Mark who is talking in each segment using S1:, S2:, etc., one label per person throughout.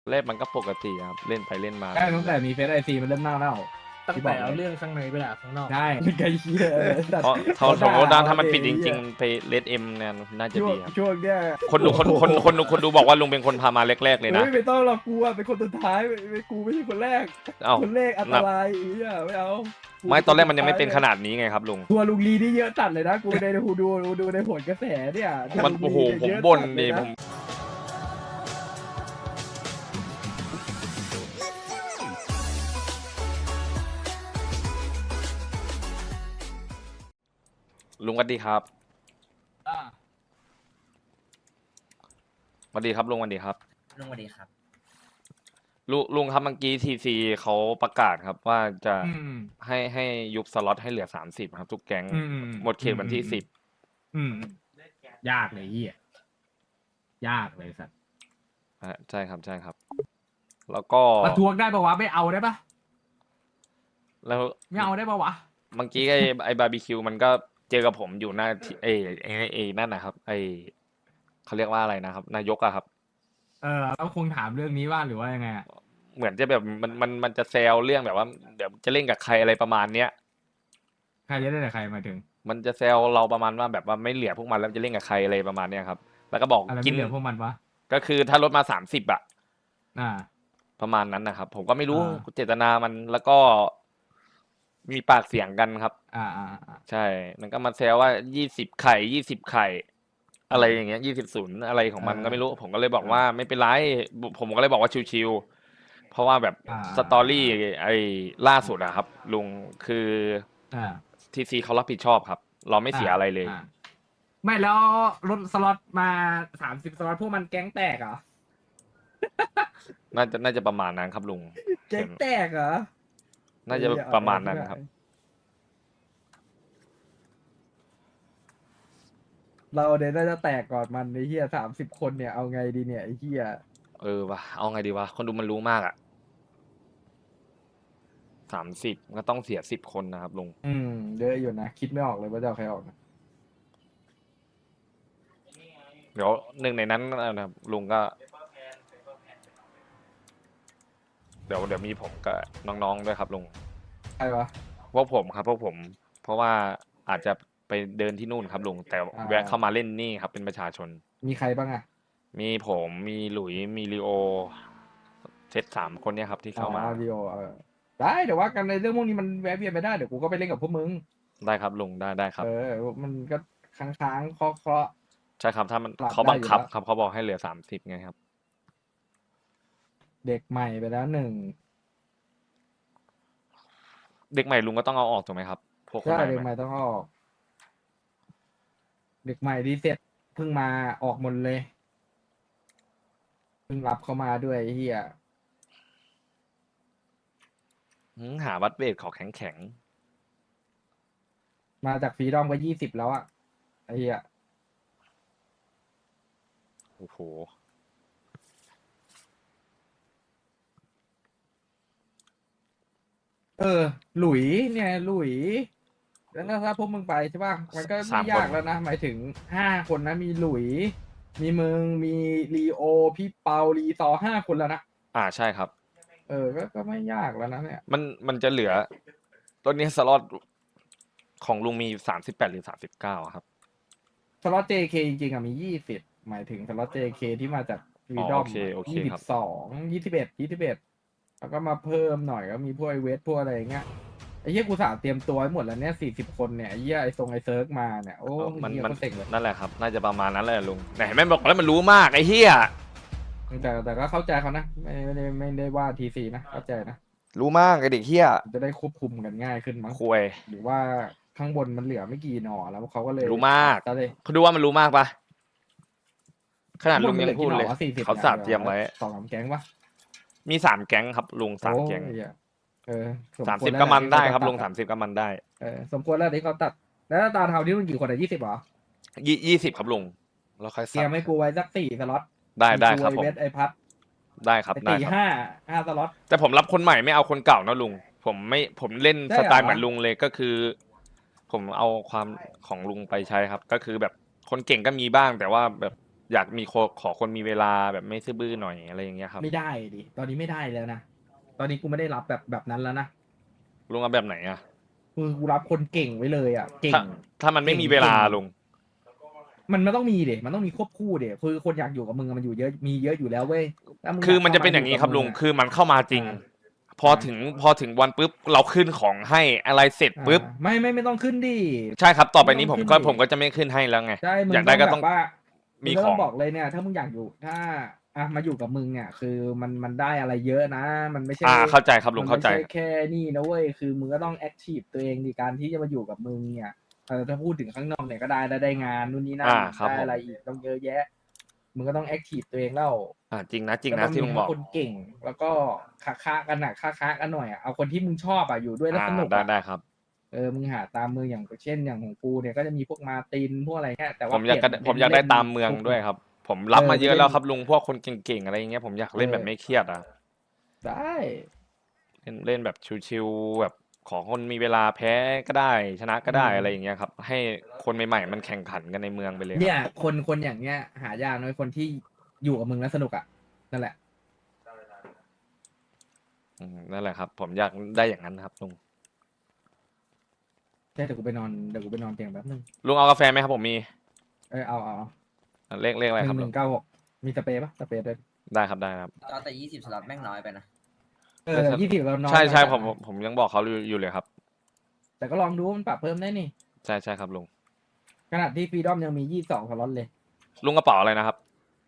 S1: เล่นมันก็ปกติครับเล่นไปเล่นมา
S2: ใช่ตั้งแต่มีเฟซไอซีมันเริ่มเน่า
S3: ตั้งแต่เอาเรื่องข้างในไปด่าข้างนอก
S2: ใช่ไกลเชี่ย
S1: เพราะสมมติถ้ามันปิดจริงๆไปเลดเอ็มเนี่ยน่าจะดีครับ
S2: ช่วงเนี้ย
S1: คนดูบอกว่าลุงเป็นคนพามาแรกๆเลยนะ
S2: ไม่ต้องหรอกกูอะเป็นคนสุดท้ายไม่กูไม่ใช่คนแรก
S1: เอ้า
S2: คนแรกอันตรายอีอ่ะไม่เอา
S1: ไม่ตอนแรกมันยังไม่เป็นขนาดนี้ไงครับลุง
S2: ตัวลุงลีนี่เยอะจัดเลยนะกูในดูในผลกระแสเนี่ย
S1: มันโอ้โห
S2: ลุงลี
S1: ผมบ่น
S2: เย
S1: ดิ
S2: อะจั
S1: ผมลุงสวัสดีครับ
S2: อ่ะ
S1: สวัสดีครับลุงสวัสดีครับ
S3: ลุงสวัสดีครับ
S1: ลุงครับเมื่อกี้ทีซีเขาประกาศครับว่าจะ
S2: อืม
S1: ให้ยุบสล็อตให้เหลือ30ครับทุกแก๊ง
S2: อืม
S1: หมดเขตวันที่10
S2: อืมยากเลยเฮียยากเลยสัตว์
S1: ใช่ครับใช่ครับ แล้วก็
S2: ประท้วงได้ปะวะไม่เอาได้ปะ
S1: แล้ว
S2: ไม่เอาได้ปะวะ
S1: เมื่อกี้ไอ้บาร์บีคิวมันก็เจอกับผมอยู่หน้าที่ไอ้นั่นนะครับไอ้เขาเรียกว่าอะไรนะครับนายกอะครับ
S2: แล้วคงถามเรื่องนี้ว่าหรือว่ายังไงอะ
S1: เหมือนจะแบบมันจะแซวเรื่องแบบว่าเดี๋ยวจะเล่นกับใครอะไรประมาณเนี้ย
S2: ใครจะได้แต่ใครหมายถึง
S1: มันจะแซวเราประมาณว่าแบบว่าไม่เหลือพวกมันแล้วจะเล่นกับใครอะไรประมาณเนี้ยครับ แล้วก็บอก
S2: อะไร
S1: กิ
S2: ไม่เหลือพวกมันวะ
S1: ก็คือถ้าลดมา30อะ
S2: อ่า
S1: ประมาณนั้นนะครับ ผมก็ไม่รู้
S2: อ่า
S1: เจตนามันแล้วก็มีปากเสียงกันครับ
S2: อ่า
S1: ใช่ มันก็มาแซวว่า20 ไข่20 ไข่ อะไรอย่างเงี้ย20-0อะไรของมันก็ไม่รู้ ผมก็เลยบอกว่าไม่เป็นไร ผมก็เลยบอกว่าชิวๆ เพราะว่าแบบสตอรี่ไอ้ล่าสุดอะครับ ลุงคือ
S2: อ่า
S1: ทีซีเขารับผิดชอบครับ เราไม่เสียอะไรเลย
S2: ไม่แล้วรถสล็อตมา30สล็อตพวกมันแก๊งแตกเหรอ
S1: น่าจะประมาณนั้นครับลุง
S2: แก๊งแตกเหรอ
S1: น่าจะประมาณนั้นครับ
S2: เราเนี่ยน่าจะแตกก่อนมันไอ้เหี้ย30 คนเนี่ยเอาไงดีเนี่ยไอ้เหี้ย
S1: วะเอาไงดีวะ คนดูมันรู้มากอะ30ก็ต้องเสีย10 คนนะครับลุง
S2: เยอะอยู่นะคิดไม่ออกเลยว่าจะเอาใครออกนะ
S1: เดี๋ยวหนึ่งในนั้นนะครับลุงก็ เดี๋ยวมีผมกับน้องๆด้วยครับลุง
S2: ใครวะ
S1: พวกผมครับพวกผม เพราะว่าอาจจะไปเดินที่นู่นครับลุงแต่แวะเข้ามาเล่นนี่ครับเป็นประชาชน
S2: มีใครบ้างอะ
S1: มีผมมีหลุยมีลีโอเซต3 คนเนี่ยครับที่เข้ามา
S2: วิโอได้เดี๋ยวว่ากันในเรื่องพวกนี้มันแวะเวียนไปได้เดี๋ยวกูก็ไปเล่นกับพวกมึง
S1: ได้ครับลุงได้ครับ
S2: มันก็ค้างเคาะ
S1: ใช่ครับถ้ามัน
S2: ปรับ
S1: เขาบังคับ
S2: ได้อยู่แล้ว
S1: ครับเขาบอกให้เหลือ30ไงครับ
S2: เด็กใหม่ไปแล้ว1
S1: เด็กใหม่ลุงก็ต้องเอาออกถูกไหมครับ พวกคน
S2: ใช่
S1: ใหม่
S2: เด็กใหม่ต้องออก เด็กใหม่ที่เสร็จเพิ่งมาออกหมดเลยเพิ่งรับเข้ามาด้วยไอ้เฮีย
S1: หาวัดเวทขอแข็ง
S2: มาจากฟรีดอมก็20แล้วอะไอ้เฮีย
S1: โอ้โห
S2: หลุยเนี่ยหลุยแล้วถ้าพวกมึงไปใช่ป่ะมันก็ไม่ยากแล้วนะหมายถึง5 คนนะมีหลุย มีมึงมีลีโอพี่เปาลีซอ5 คนแล้วนะ
S1: ใช่ครับ
S2: ก็ไม่ยากแล้วนะเนี่ย
S1: มันจะเหลือตอนนี้สล็อตของลุงมี38หรือ39ครับ
S2: สล็อต JK จริงๆอะมี20หมายถึงสล็อต JK ที่มาจากฟรีดอม
S1: โอเคครับ
S2: 21แล้วก็มาเพิ่มหน่อยก็มีพวกไอเวทพวกอะไรอย่างเงี้ยไอ้เหี้ยกูสาเตรียมตัวไว้หมดแล้วเนี่ย40 คนเนี่ยไอ้เหี้ยไอเซิร์กมาเนี่ยโอ้
S1: มัน
S2: เหี้ยก็เซ็งเลย
S1: นั่นแหละครับ น่าจะประมาณนั้นแหละลุงไหนแม่บอกแล้วมันรู้มากไอ้เหี้ย
S2: แต่ก็เข้าใจเขานะไม่ได้ว่าTCนะเข้าใจนะ
S1: รู้มากไอเด็กเหี้ย
S2: จะได้ควบคุมกันง่ายขึ้นมั้ง
S1: คุย
S2: หรือว่าข้างบนมันเหลือไม่กี่หน่อแล้วเขาก็เลย
S1: รู้มาก
S2: จะเลย
S1: เขาดูว่ามันรู้มากปะขนาดลุง
S2: ข้
S1: ยังพูดเลย
S2: บนมันหอกี่หน่อวะ40
S1: เขาสาบเตรียมไว้
S2: 2-3 แก๊งปะ
S1: มี3 แก๊งครับลุง3 แก๊ง
S2: โอ้ยสมควร
S1: 30
S2: แล้ว
S1: ก็มันได้ครับ
S2: ที่
S1: ลุง
S2: เขาตัด
S1: 30ก็มันได้
S2: สมควรแล้วที่เขาตัด แล้วตาเทาที่มันกี่คนอะ20เหรอ
S1: 20ครับลุงแล้วค่อย
S2: เตรียมให้กูไว้สัก4 สล็อต
S1: ได้ครับ
S2: ไอ
S1: ผม
S2: เวทไอพัด
S1: ได้ครับ
S2: ไอ
S1: ได้
S2: ตี
S1: ครับ
S2: 5 สล็อต
S1: แต่ผมรับคนใหม่ไม่เอาคนเก่านะลุง ผมเล่น
S2: ได้
S1: ส
S2: เหรอ
S1: ไตล์เหมือนลุงเลยก็คือ ผมเอาความของลุงไปใช้ครับ ก็คือแบบคนเก่งก็มีบ้าง แต่ว่าแบบอยากมีขอคนมีเวลาแบบไม่ซื่อบื้อหน่อยอะไรอย่างเงี้ยครับ
S2: ไม่ได้ดิตอนนี้ไม่ได้แล้วนะตอนนี้กูไม่ได้รับแบบนั้นแล้วนะ
S1: ลุงเอาแบบไหนอะ
S2: คือกูรับคนเก่งไว้เลยอ่ะเก่
S1: ถ้าง ถ้ามันไม่มีเวลา
S2: เก่ง
S1: ลุง
S2: มันต้องมีเด็มันต้องมีควบคู่เด็คือคนอยากอยู่กับมึงอะมันอยู่เยอะมีเยอะอยู่แล้วเว้ยถ้ามึง
S1: คือ
S2: อยาก
S1: มันจะเป็นอย่างนี้
S2: นี้
S1: ครับลุงคือมันเข้ามาจริง พอถึงวันปุ๊บเราขึ้นของให้อะไรเสร็จปุ๊บ
S2: ไม่ต้องขึ้นดิ
S1: ใช่ครับต่อไปนี้
S2: ไม่
S1: ผม
S2: ต้อง
S1: ก็
S2: ขึ้นดิ
S1: ผมก็จะไม่ขึ้นให้แล้วไง
S2: ใช่มึง
S1: อยากได้ก็
S2: แบ
S1: ต้อง
S2: บว่า
S1: มี
S2: งก็
S1: ข
S2: ต้
S1: อ
S2: อง งบอกเลยเนี่ย ถ้ามึงอยากอยู่ถ้ามาอยู่กับมึงเนี่ยคือมันได้อะไรเยอะนะ มันไม่ใช่
S1: เข้าใจครับลุง
S2: มัน
S1: เข้า
S2: ไม่
S1: ใจ
S2: ใช่แค่นี่นะเว้ยคือมึงก็ต้องแอคทีฟตัวเองในการที่จะมาอยู่กับมึงเนี่ยถ้าพูดถึงข้างนอกเนี่ยก็ได้งานนู่นนี่นั่น
S1: ครับ
S2: ได้
S1: ผม
S2: อะไรอีกต้องเยอะแยะมึงก็ต้องแอคทีฟตัวเองแล้ว
S1: จริงนะจริง
S2: ก็
S1: นะ
S2: ต้อง
S1: ที่
S2: มี
S1: ลุง
S2: ทั้
S1: บอก
S2: งคนเก่ง แล้วก็ค้ากันหนักค้ากันหน่อยอะเอาคนที่มึงชอบอะอยู่ด้วยแล้วสนุก
S1: ได้
S2: อะ
S1: ได้ครับ
S2: มึงหาตามเมืองอย่างเช่นอย่างของกูเนี่ยก็จะมีพวกมาร์ตินพวกอะไรเงี้ยแต่
S1: ผ
S2: ว่าม
S1: อยาก
S2: เปลี่น
S1: ผมอยากได้
S2: เป็น
S1: ตามเมือง
S2: พวก
S1: ด้วยครับ ผมรับมาเยอะ
S2: ไปเล่น
S1: แล้วครับลุงพวกคนเก่งๆอะไรอย่างเงี้ยผมอยากเล่นแบบไม่เครียดอะ
S2: ได้
S1: เล่นแบบชิวๆแบบขอคนมีเวลาแพ้ก็ได้ชนะก็ได้อะไรอย่างเงี้ยครับ ให้คนใหม่ๆมันแข่งขันกันในเมืองไปเลยครับ
S2: เนี่ยคนอย่างเงี้ยหายากน้อยคนที่อยู่กับมึงแล้วสนุกอะนั่นแหละ
S1: นั่นแหละครับ ผมอยากได้อย่างนั้นครับลุง
S2: ใช่เดี๋ยวกูไปนอนเตียงแป๊บนึง
S1: ลุงเอากาแฟไหมครับผมมี
S2: เอา
S1: เลขอะไรครับลุง
S2: 1196มีสเปรย์ปะสเปรย์ด้วย
S1: ได้ครับได้ครับ
S3: แต่20 สล็อตแม่งน้อยไปนะ
S2: 20เรานอน
S1: ใช่
S2: ไป
S1: ผมยังบอกเขาอยู่เลยครับ
S2: แต่ก็ลองดูมันปรับเพิ่มได้นี่
S1: ใช่ครับลุง
S2: ขนาดที่ฟรีดอมยังมี22สล็อตเลย
S1: ลุงกระเป๋าอะไรนะครับ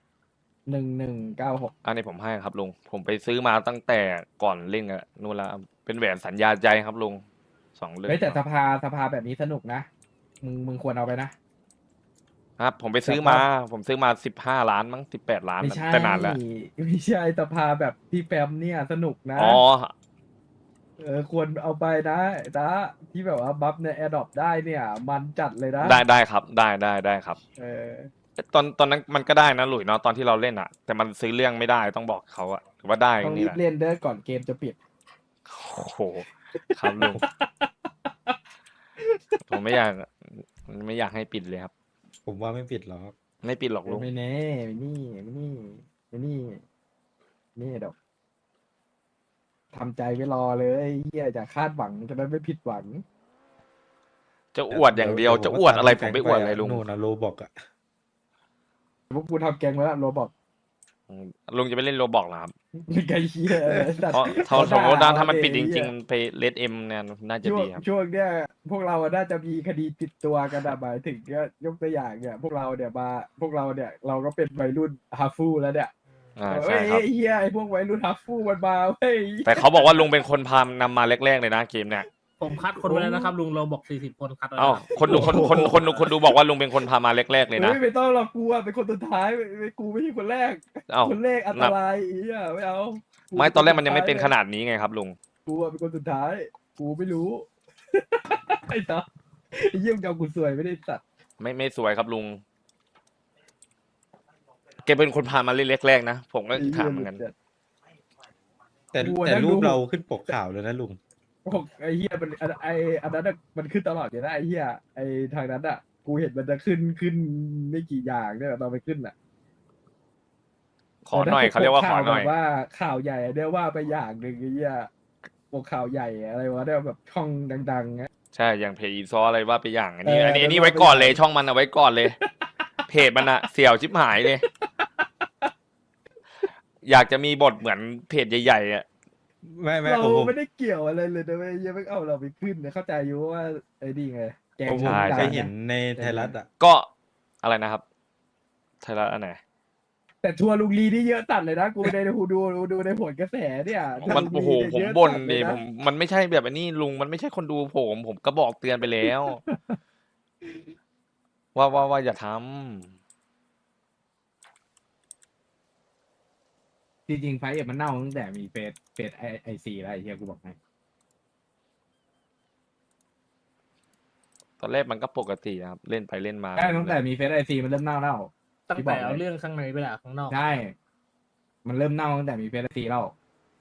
S2: 1196
S1: อันนี้ผมให้ครับลุงผมไปซื้อมาตั้งแต่ก่อนเล่นกันนู่นแล้วเป็นแหวนสัญญาใจครับลุง2 เรื่อง
S2: เฮ้ยแต่สภาแบบนี้สนุกนะมึงควรเอาไปนะครับ
S1: ผมไปซื้อมาผมซื้อมา15 ล้านมั้ง18 ล้าน
S2: ไม่ใช่
S1: แต่นานแล้ว
S2: ไม่ใช่สภาแบบพี่แฟมเนี่ยสนุกนะ
S1: อ๋อ
S2: ควรเอาไปนะที่แบบว่าบัฟในแอร์ดรอปได้เนี่ย มันจัดเลยนะ
S1: ได้ครับได้ครับ
S2: เออ
S1: ตอนนั้นมันก็ได้นะหลุยเนาะตอนที่เราเล่นอะแต่มันซื้อเรื่องไม่ได้ต้องบอกเขาอะหรือว่าได้
S2: ต้อง
S1: นี่
S2: รี
S1: แห
S2: บ
S1: ละ
S2: เล่นเด้อก่อนเกมจะปิด
S1: โอ้โหครับลุง ผมไม่อยากให้ปิดเลยครับ
S4: ผมว่าไม่ผิดหรอก
S1: ไม่ปิดหรอกลุง
S2: ไม่แน่นี่ดอกทำใจไว้รอเลยเฮียอย่าคาดหวังจะได้ไม่ผิดหวัง
S1: จะอวดอย่างเดียวจะอวดอะไรผมไปอวดอะไรลุง
S4: นู่นนะโลบอกอะ
S2: พวกกูทำแกงไว้แล้วโรบอก
S1: ลุงจะไปเล่นโรบอกเหรอครับ
S2: ไกลเฮีย
S1: เพราะสมมติว่าถ้ามันปิดจริงๆไปเลดเอ็มเนี่ยน่าจะดีครับ
S2: ช่วงเนี้ยพวกเราอะน่าจะมีคดีติดตัวกันอะหมายถึงเนี่ยยกตัวอย่างเนี่ยพวกเราเนี่ยเราก็เป็นวัยรุ่นฮาฟูแล้วเนี่ย
S1: ใช่ครับ
S2: เฮียไอพวกวัยรุ่นฮาฟูมันมาเว้ย
S1: แต่เขาบอกว่าลุงเป็นคนพานำมาแรกๆเลยนะเกมเนี่ย
S3: ผมคัดคนไว้แล้วนะครับลุงเราบอก40 คนคัดไว้
S1: เอ้า
S3: แล้ว
S1: คนดูบอกว่าลุงเป็นคนพามาแรกๆเลยนะ
S2: ไม่ต้องหรอกกูอะเป็นคนสุดท้ายไม่กูไม่ใช่คนแรก
S1: เอ้า
S2: คนแรกอันตรายอีอะไม่เอา
S1: ไม่ตอนแรกมันยังไม่เป็นขนาดนี้ไงครับลุง
S2: กูอะเป็นคนสุดท้าย กูไม่รู้ ไอ้ต่อไอ้เยี่ยมเจ้ากูสวยไม่ได้สัตว์
S1: ไม่สวยครับลุงแกเป็นคนพามาเล่นแรกๆนะผมก็ถามเหมือนกัน
S4: แต่รูปเราขึ้นปกข่าวเลยนะลุง
S2: ไอ้เฮียมันอันนั้นอะมันขึ้นตลอดอยู่นะไอ้เฮียไอ้ทางนั้นอ่ะ กูเห็นมันจะขึ้นไม่กี่อย่างเนี่ยตอนไปขึ้นอ่ะ
S1: ขอหน่อยเขาเรียกว่าขอหน่อย
S2: แบบว่าข่าวใหญ่เนี่ยว่าไปอย่างหนึ่งไอ้เฮียพวกข่าวใหญ่อะไรวะเนี่ยแบบช่องดังๆเงี้ย
S1: ใช่อย่างเพจอีซออะไรว่าไปอย่างอันนี้
S2: เออ
S1: อันนี้
S2: แล้ว
S1: ไว้ก่อน
S2: ว่าไป
S1: เลยช่องมันเอาไว้ก่อนเลย เพจมันอะเสี่ยวชิบหายเลย อยากจะมีบทเหมือนเพจใหญ่ๆอะ
S4: ไม่
S2: เรา
S4: ผม
S2: ไม่ได้เกี่ยวอะไรเลยนะเว้ยยังไม่เอาเราไปขึ้นเนี่ยเข้าใจอยู่ว่าไอ้นี่ไงแกง
S4: ผม
S2: วงการ
S4: เคยเห็นในไทยรัฐอะ
S1: ก็อะไรนะครับไทยรัฐอันไหน
S2: แต่ทัวร์ลุงลีนี่เยอะตัดเลยนะกูในดูในผลกระแสเนี่ยทัวร์
S1: มัน
S2: ลุงลี
S1: โอ้โห
S2: เย
S1: ผม
S2: เยอะ
S1: บ่น
S2: จัดเล
S1: ดิ
S2: ยะ
S1: มันไม่ใช่แบบอันนี้ลุงมันไม่ใช่คนดูผมก็บอกเตือนไปแล้ว ว่าอย่าทำ
S2: จริงๆไฟท์มันเน่าตั้งแต่มีเฟสไอซีแล้วไอ้เฮียกูบอกให้
S1: ตอนแรกมันก็ปกตินะครับเล่นไปเล่นมา
S2: ใช่ตั้งแต่มีเฟสไอซีมันเริ่มเน่าแล้ว
S3: ตั้งแต่เอาเรื่องข้างในไปด่าข้างนอก
S2: ใช่ มันเริ่มเน่าตั้งแต่มีเฟสไอซีแล้ว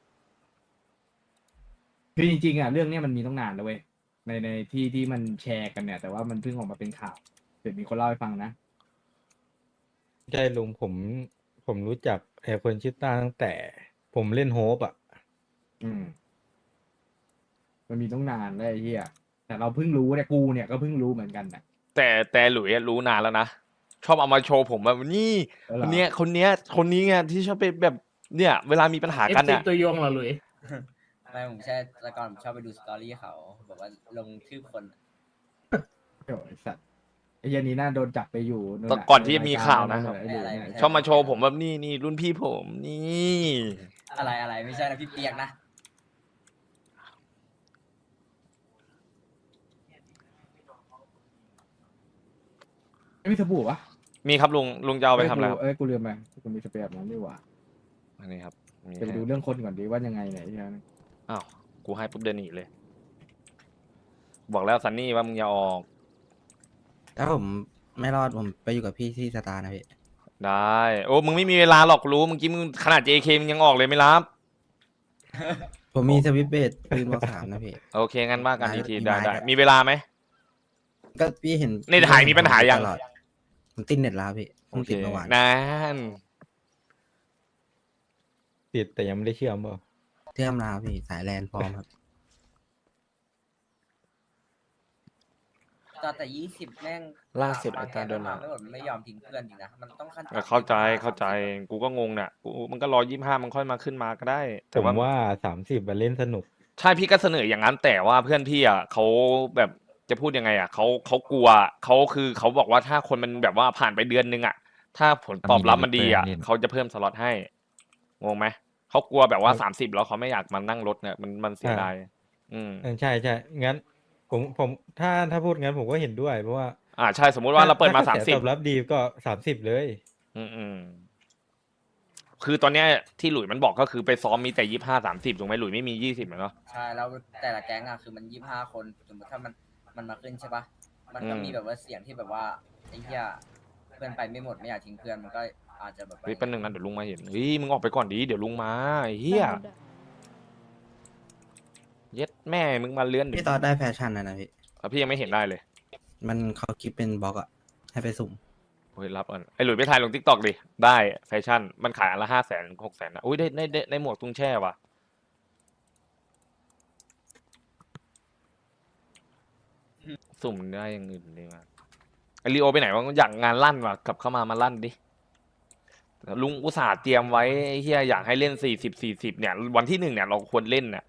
S2: คือจริงๆอ่ะเรื่องเนี้ยมันมีตั้งนานแล้วเว้ยในที่มันแชร์กันเนี่ย แต่ว่ามันเพิ่งออกมาเป็นข่าวเดี๋ยวมีคนเล่าให้ฟังนะ จ
S4: ใช่ลุงผมรู้จักไอ้คนชื่อต้าตั้งแต่ผมเล่นโฮปอ่ะ
S2: อืมมันมีต้องนานได้ไอ้เฮียแต่เราเพิ่งรู้เนี่ยกูเนี่ยก็เพิ่งรู้เหมือนกันนะ
S1: แต่หลุยอะรู้นานแล้วนะชอบเอามาโชว์ผมแบบนี่
S2: แล้ว
S1: ค
S2: เหรอ
S1: นนี้ไงที่ชอบไปแบบเนี่ยเวลามีปัญหา
S3: เอฟ
S1: กัน
S3: ซี
S1: เนี่ย
S3: ตัวยงเหรอหลุย
S5: ไม่ผมใช่แต่ก่อนผมชอบไปดูสตอรี่เขาแบบว่าลงชื่อคน
S2: โอ้ยไอ้สัตว์ไอ้เหี้ยันนี้น่าโดนจับไปอยู่นู่น
S1: ตอน
S2: น่ะ
S1: ก่อนที่จะมีข่าวนะ
S2: ไอ้หลุยเนี่ย
S1: ชอบมาโชว์ผมแบบนี่รุ่นพี่ผมนี่
S5: อะไรไม่ใช่นะพี่เปียกนะ
S2: ไม่มีสบู่ปะ
S1: มีครับลุงจะเอาไปทำอะไรครับ
S2: เอ้ยกูลืมไปกูมีสเปรย์แบบนั้นดีกว่า
S1: อันนี้ครับมี
S2: จะไป
S1: ให้
S2: ดูเรื่องคนก่อนดีว่ายังไงเนี่ยไอ้เหี้ย
S1: อ้าวกูให้ปุ๊บเดินหนีเลย บอกแล้วซันนี่ว่ามึงอย่าออก
S6: ถ้าผมไม่รอดผมไปอยู่กับพี่ที่สตาร์นะพี่
S1: ได้ โอ้มึงไม่มีเวลาหรอกรู้เมื่อกี้มึงขนาด JK มึงยังออกเลยไม่รับ
S6: ผมมีสวิตช์เบสปืนบอกสามนะพี่
S1: โอเคงั้นว่ากันอีกที
S6: มี
S1: ได้
S6: ไม้
S1: ได้
S6: ด้วย
S1: มีเวลาไหม
S6: ก็พี่เห็น
S1: เน็ตหายมีปัญหายัง
S6: ตลอดผมติดเน็ตแล้วพี่ผ
S1: โอ
S6: ม
S1: เค
S6: ติดเมื่อวาน
S1: นั่น
S4: ติดแต่ยังไม่ได้เชื่อมเปล่า
S6: เชื่อมลาวพี่สายแลนพร้อมครับ
S5: ตอนแต่20แม่ง
S1: ล่าสุดไอ้ตาโดน
S5: มาไม่หมดมันไม่ยอมทิ้งเพื่อนจริงนะมันต้องขั้นต่ำ
S1: เข้าใจกูก็งงเนี่ยกูมันก็125มันค่อยมาขึ้นมาก็ได้
S4: ผ
S1: แต่
S4: ม
S1: ว่า
S4: ว่า30มันเล่นสนุก
S1: ใช่พี่ก็เสนออย่างนั้นแต่ว่าเพื่อนพี่อ่ะเขาแบบจะพูดยังไงอ่ะเขากลัวเขาบอกว่าถ้าคนมันแบบว่าผ่านไปเดือนนึงอ่ะถ้าผลตอบรับมันดีอ่ะเขาจะเพิ่มสล็อตให้งงไหมเขากลัวแบบว่า30แล้วเขาไม่อยากมานั่งรถเนี่ยมันเสียดายอืม
S4: ใช่งั้นผมถ้าพูดงั้นผมก็เห็นด้วยเพราะว่า
S1: ใช่สมมุติว่าเราเปิดมา
S4: ถ้กระแสตอบ
S1: 30
S4: รับดีก็30เลย
S1: อืมคือตอนเนี้ยที่หลุยมันบอกก็คือไปซ้อมมีแต่25 30ถูกไหมหลุยไม่มี20เหรอเนาะ
S5: ใช่แล้วแต่ละแก๊งอะคือมัน25คนสมมติถ้ามันมาขึ้นใช่ปะมันก็
S1: อืม
S5: มีแบบว่าเสียงที่แบบว่าไอ้เหี้ยเพื่อนไปไม่หมดไม่อยากทิ้งเพื่อนมันก็อาจจะแบบว่า
S1: เฮ้ยแป๊บนึงนะเดี๋ยวลุงมาเห็นเฮ้ยมึงออกไปก่อนดีเดี๋ยวลุงมาไอ้เฮียเย็ดแม่มึงมาเลื่อนดิ
S6: พี่ตอดได้แฟชั่นนะพี่
S1: พี่ยังไม่เห็นได้เลย
S6: มันเขาคิดเป็นบล็อกอะให้ไปสุ่ม
S1: เฮ้ยรับก่อนไอ้หลุยไปถ่ายลงทิกตอกดิได้แฟชั่นมันขายอันละ500,000 600,000นะอุ้ยได้หมวกตุ้งแช่ว่ะสุ่มได้อย่างอื่นดีมั้ยไอรีโอไปไหนวะอยากงานลั่นว่ะกลับเข้ามาลั่นดิลุงอุตส่าห์เตรียมไว้ไอ้เฮียอยากให้เล่น40เนี่ยวันที่1เนี่ยเราควรเล่นเนี่ย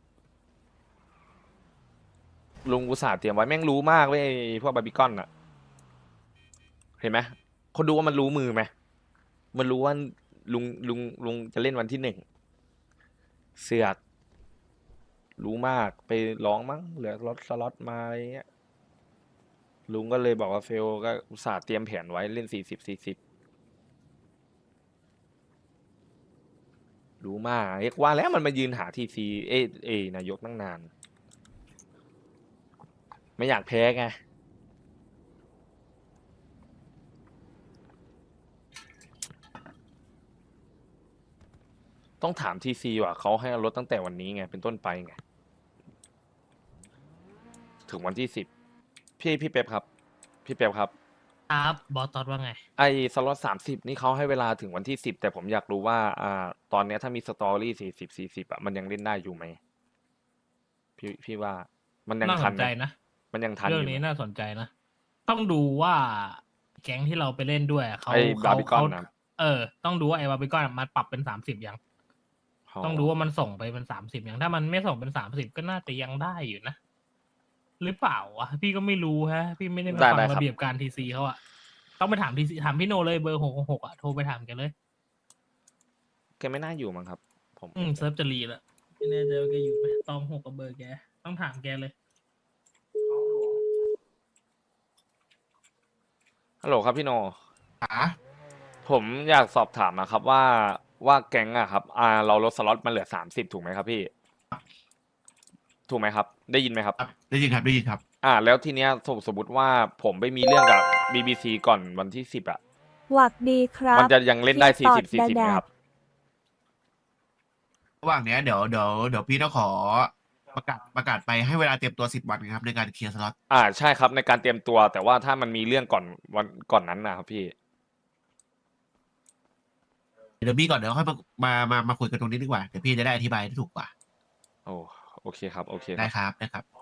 S1: ลุงอุตส่าห์เตรียมไว้แม่งรู้มากเว้ยไอ้พวกบาร์บีคอนอะเห็นไหมคนดูว่ามันรู้มือไหมมันรู้ว่าลุงจะเล่นวันที่1เสือกรู้มากไปร้องมั้งเหลือสล็อตมาอะไรเงี้ยลุงก็เลยบอกว่าเฟลก็อุตส่าห์เตรียมแผนไว้เล่น40รู้มากเรียกว่าแล้วมันมายืนหาทีซีนายกตั้งนาน ไม่อยากแพ้ไงต้องถามทีซีว่ะเขาให้เอารถตั้งแต่วันนี้ไงเป็นต้นไปไงถึงวันที่10พี่เป๊ปครับ พี่เป๊ปครับ
S3: ครับบอสตอดว่าไง
S1: ไอ้สล็อต30นี่เขาให้เวลาถึงวันที่10แต่ผมอยากรู้ว่าตอนเนี้ยถ้ามีสตอรี่40อ่ะมันยังเล่นได้อยู่ไหมพี่ว่ามันยัง
S3: น่า
S1: ทั
S3: ส
S1: น
S3: น
S1: ไห
S3: ใจ
S1: ม
S3: นะ
S1: มันยังทันอ
S3: เรื่อง
S1: ยู่ไหม
S3: นี้น่าสนใจนะ ต้องดูว่าแก๊งที่เราไปเล่นด้วยเขา
S1: ไอ้บาร์บีคอน
S3: เขา
S1: นะ
S3: ต้องดูว่าไอ้บาร์บีคอนมันปรับเป็น30ยัง ต้องดูว่ามันส่งไปเป็น30ยังถ้ามันไม่ส่งเป็น30ก็น่าจะยังได้อยู่นะ หรือเปล่าวะพี่ก็ไม่รู้ฮะ พี่ไม่ได้มาฟังระเบียบการทีซีเขาอะต้องไปถามทีซีถามพี่โนเลยเบอร์666อะโทรไปถามแกเลย
S1: แกไม่น่าอยู่มั้งครับ ผม
S3: เซิร์ฟจะรีแล้วไม่แน่ใจว่าแกอยู่ไหมตอง6กับเบอร์แกต้องถามแกเลย
S1: ฮัลโหลครับพี่โนผมอยากสอบถามนะครับว่าแก๊งอะครับเราลดสล็อตมาเหลือ30ถูกไหมครับพี่ ถูกไหมครับ ได้ยินไหมครับ
S7: ได้ยินครับได้ยินครับ
S1: แล้วทีเนี้ยสมมติว่าผมไปมีเรื่องกับ BBC ก่อนวันที่10อะ
S8: หวักดีครับ
S1: มันจะยังเล่นได้
S8: พี่ตอด
S1: 40ไหมครับ
S7: ระหว่างเนี้ยเดี๋ยวพี่ต้องขอประกาศไปให้เวลาเตรียมตัว10 วันครับในการเคลียร์สล็อต
S1: ใช่ครับในการเตรียมตัว แต่ว่าถ้ามันมีเรื่องก่อนวันก่อนนั้นนะครับพี่
S7: เดี๋ยวพี่ก่อนเดี๋ยวค่อยมาคุยกันตรงนี้ดีกว่าเดี๋ยวพี่จะได้อธิบายได้ถูกกว่า
S1: โอ้โอเคครับโอเคค
S7: ได้
S1: รับ
S7: ครับได้ครับ